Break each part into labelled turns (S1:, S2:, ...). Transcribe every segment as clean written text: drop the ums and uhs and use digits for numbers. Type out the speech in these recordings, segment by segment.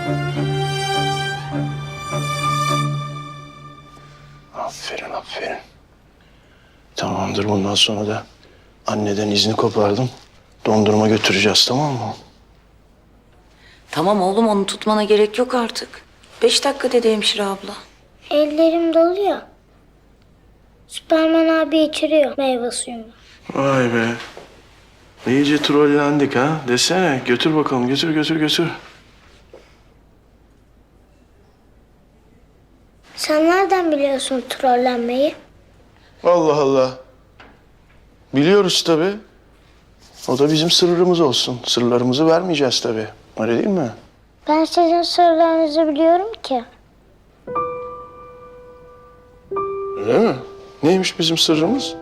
S1: Aferin, aferin. Tamamdır, bundan sonra da anneden izni kopardım. Dondurma götüreceğiz, tamam mı?
S2: Tamam oğlum, onu tutmana gerek yok artık. 5 dakika dedi hemşire abla.
S3: Ellerim doluyor. Süpermen abi içiriyor meyve suyunu.
S1: Vay be. İyice trollendik ha. Desene, götür bakalım, götür.
S3: Sen nereden biliyorsun trollenmeyi?
S1: Allah Allah. Biliyoruz tabii. O da bizim sırrımız olsun. Sırlarımızı vermeyeceğiz tabii. Öyle değil mi?
S3: Ben sizin sırlarınızı biliyorum ki.
S1: Öyle mi? Neymiş bizim sırrımız?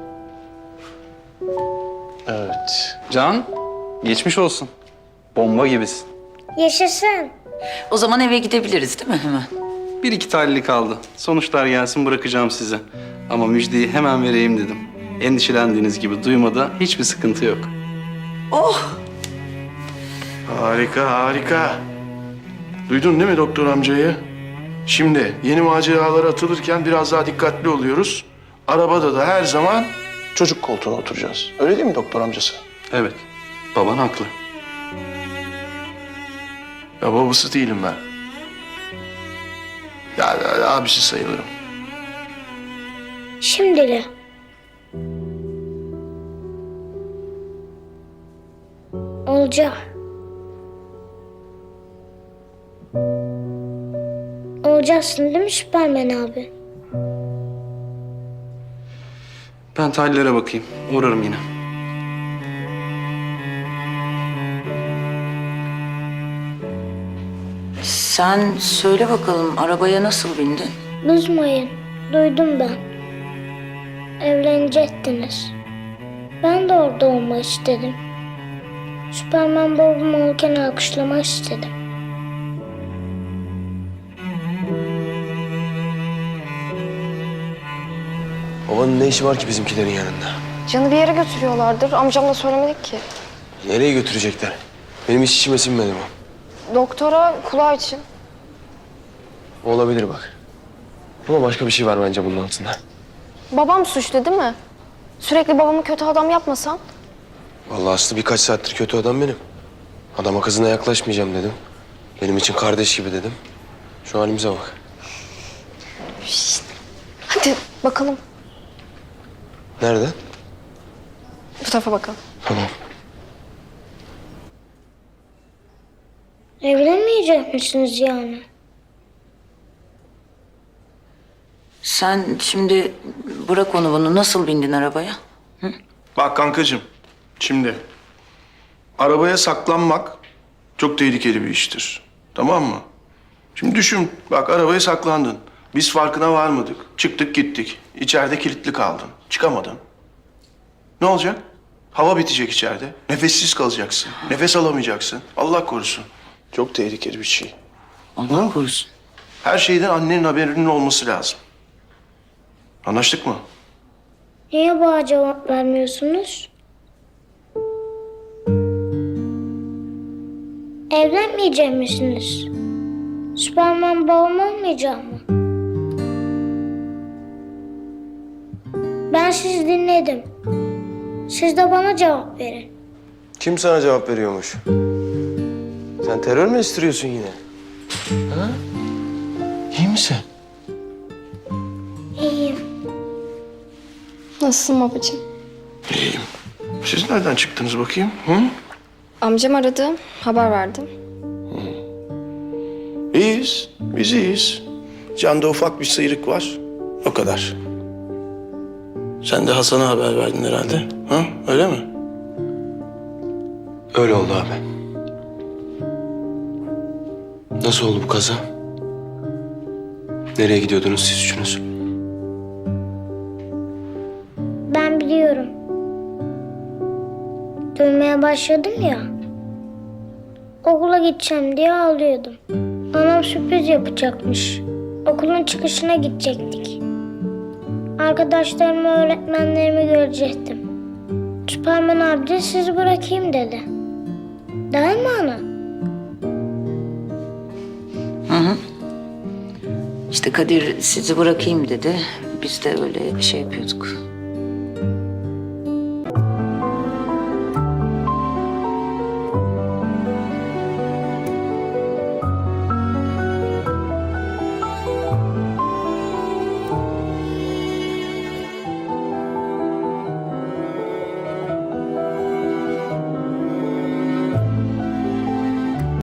S1: Evet.
S4: Can, geçmiş olsun. Bomba gibisin.
S3: Yaşasın.
S2: O zaman eve gidebiliriz değil mi hemen?
S4: Bir iki tahlili kaldı. Sonuçlar gelsin bırakacağım size. Ama müjdeyi hemen vereyim dedim. Endişelendiğiniz gibi duymada hiçbir sıkıntı yok.
S2: Oh!
S1: Harika. Duydun değil mi doktor amcayı? Şimdi yeni maceralara atılırken biraz daha dikkatli oluyoruz. Arabada da her zaman çocuk koltuğuna oturacağız. Öyle değil mi doktor amcası?
S4: Evet, baban haklı.
S1: Ya babası değilim ben. Ya abisi sayılırım.
S3: Şimdili. Olacak. Olacaksın değil mi Süpermen abi?
S4: Ben tahlillere bakayım. Uğrarım yine.
S2: Sen söyle bakalım, arabaya nasıl bindin?
S3: Bozmayın. Duydum ben. Evlenecektiniz. Ben de orada olmak istedim. Süpermen babam olurken alkışlamak istedim.
S5: Babanın ne işi var ki bizimkilerin yanında?
S6: Can'ı bir yere götürüyorlardır. Amcamla söylemedik ki.
S5: Nereye götürecekler? Benim hiç içime sinmedi bu.
S6: Doktora kulağı için.
S5: Olabilir bak. Ama başka bir şey var bence bunun altında.
S6: Babam suçlu değil mi? Sürekli babamı kötü adam yapmasan.
S5: Vallahi Aslı birkaç saattir kötü adam benim. Adama kızına yaklaşmayacağım dedim. Benim için kardeş gibi dedim. Şu halimize bak.
S6: Hadi bakalım.
S5: Nerede?
S6: Bu tarafa bakalım.
S5: Tamam.
S3: Evlenmeyecek misiniz yani?
S2: Sen şimdi bırak onu bunu, nasıl bindin arabaya?
S1: Bak kankacığım, şimdi arabaya saklanmak çok tehlikeli bir iştir. Tamam mı? Şimdi düşün, bak arabaya saklandın. Biz farkına varmadık. Çıktık gittik. İçeride kilitli kaldın. Çıkamadın. Ne olacak? Hava bitecek içeride. Nefessiz kalacaksın. Nefes alamayacaksın. Allah korusun. Çok tehlikeli bir şey.
S2: Allah korusun.
S1: Her şeyden annenin haberinin olması lazım. Anlaştık mı?
S3: Niye bana cevap vermiyorsunuz? Evlenmeyecek misiniz? Süpermen babam olmayacak mı? Ben sizi dinledim. Siz de bana cevap verin.
S5: Kim sana cevap veriyormuş? Sen terör mü istiyorsun yine? Ha? İyi misin?
S3: İyiyim.
S6: Nasılsın babacığım?
S1: İyiyim. Siz nereden çıktınız bakayım? Hı?
S6: Amcam aradı. Haber verdim.
S1: İyiyiz. Biz iyiyiz. Can'da ufak bir sıyrık var. O kadar. Sen de Hasan'a haber verdin herhalde. Ha? Öyle mi?
S5: Öyle oldu abi. Nasıl oldu bu kaza? Nereye gidiyordunuz siz üçünüz?
S3: Ben biliyorum. Dönmeye başladım ya. Okula gideceğim diye ağlıyordum. Anam sürpriz yapacakmış. Okulun çıkışına gidecektik. Arkadaşlarımı, öğretmenlerimi görecektim. Süpermen abi de sizi bırakayım dedi. Değil mi ana?
S2: İşte Kadir sizi bırakayım dedi. Biz de öyle şey yapıyorduk.